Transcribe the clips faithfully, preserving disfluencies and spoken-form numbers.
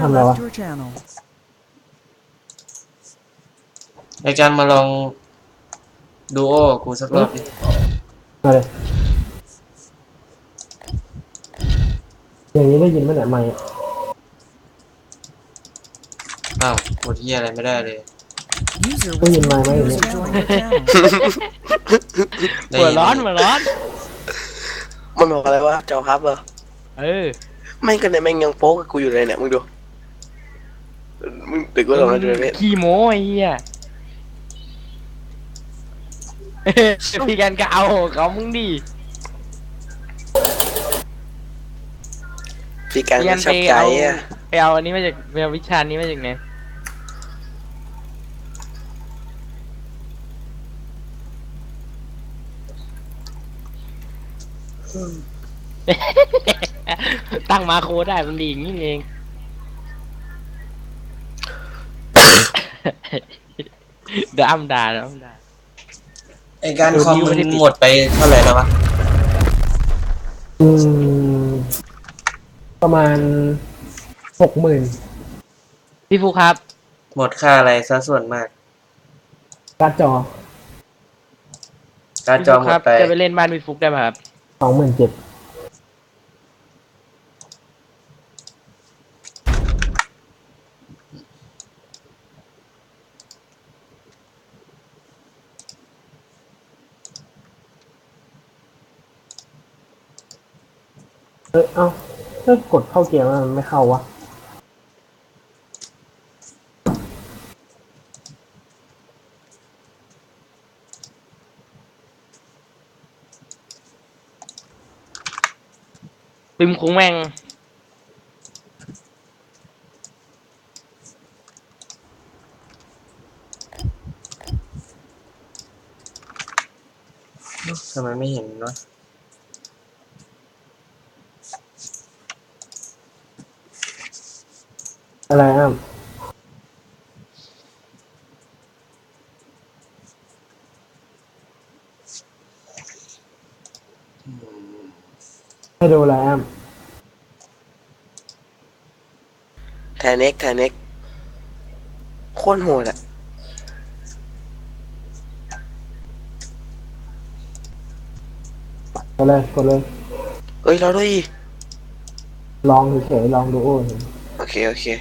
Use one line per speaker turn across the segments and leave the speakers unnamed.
ทำอะไรวะ
ไอการมาลองดูโอกูสักรอบดิ
มาเลยอย่างนี้ได้ยินไหมเนี่ยไม่
อ้าวหมดที่อะไรไม่ได้เลย
ได้ยินไม่ไหมอย่างนี้
ได้
หัว
ยิน
ร้อนหัวร้อน
มันบอกอะไรวะเจ้าครับเหรอ
เออ
ไม่กันเนี่ยแม่งยังโป๊กกับกูอยู่เลยเนี่ยมึงดูมึงตึกว่าเราจะไป
ขี้โม้ไอ้เหี้ยพี่กันก็เอาเขามึงดิ
พี่การ
พี่กั
มัน
น
ชอ
ไป
บใจ
เอา
อ่ะ
ไปเอาอันนี้มาจากไปเอาวิชานี้มาจากไหนตั้งมาโคได้มันดีอย่างนี้เอง เดี๋ยวอ้ำด่าเดี๋ยวอ้ำด่า
ไอการ
ดู
คอม
นิ้ว
มั
ไม่
น
ได้ปิด
หมดไปเท่าไหร่แล้ววะ
อืมประมาณหกหมื่น
พี่ฟูครับ
หมดค่าอะไรซะส่วนมาก
การ์ดจอ
การ
พี่
จอ
ฟุก
หม
ครั
ด
บ
ไป
จะไปเล่นบ้านพี่ฟุกได้ไหมครับ
สองหมื่นเจ็ดเออเอ้าถ้ากดเข้าเกมแล้วมันไม่เข้าวะ
ปิมคุ้งแม่ง
ทำไมไม่เห็นวะ
อะไรอ่ะให้ดูอะไรอ่ะ
แทนเน็กแทนเน็กโคตรโหดอ่ะ
กดเลยกดเลย
เอ้ยเราด้วยดิ
ลองเฉยๆลองดูโอ้ย
โอเคโอเค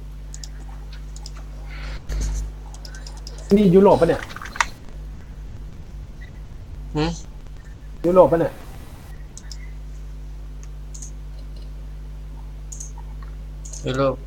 นี่ยุโรปปะเนี่ย
หึ
ยุโรปปะเนี่ย
ยุโรป